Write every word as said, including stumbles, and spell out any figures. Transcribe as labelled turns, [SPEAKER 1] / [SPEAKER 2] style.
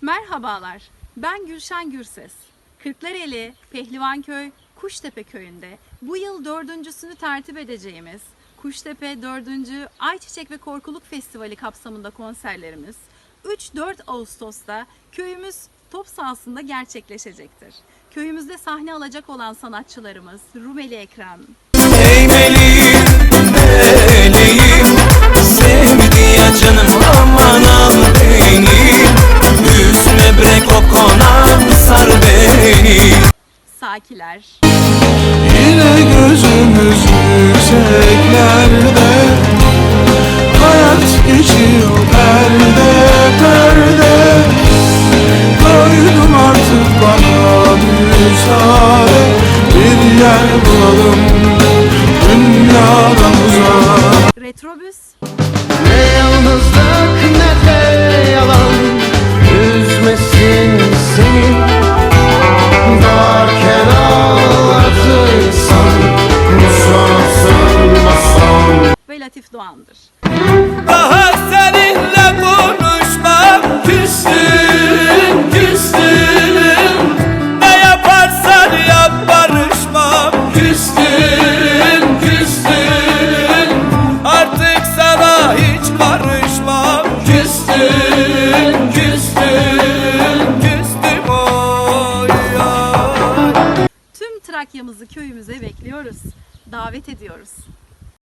[SPEAKER 1] Merhabalar, ben Gülşen Gürses. Kırklareli, Pehlivanköy, Kuştepe köyünde bu yıl dördüncüsünü tertip edeceğimiz Kuştepe dördüncü Ayçiçek ve Korkuluk Festivali kapsamında konserlerimiz üç dört Ağustos'ta köyümüz top sahasında gerçekleşecektir. Köyümüzde sahne alacak olan sanatçılarımız Rumeli Ekrem,
[SPEAKER 2] Ey meleğim, meleğim, sevdi ya canım aman al beni, üzme bre kokona sar beni.
[SPEAKER 1] Sakiler,
[SPEAKER 3] Yine gözümüz yükseklerde, hayat geçiyor perde perde. Doydum artık bana müsaade, bir yer bulalım dünyadan uzak.
[SPEAKER 1] Retrobüs,
[SPEAKER 4] Ne yalnızlık ne de yalan üzmesin seni. Doğarken ağlatırsan bu sonsuz masal.
[SPEAKER 1] ve Latif Doğan'dır.
[SPEAKER 2] Daha seninle konuşmam, küstüm, küstüm. Ne yaparsan yap barışmam, küstüm, küstüm. Artık sana hiç karışmam, küstüm, küstüm, küstüm oy ya.
[SPEAKER 1] Tüm Trakya'mızı köyümüze bekliyoruz. Davet ediyoruz.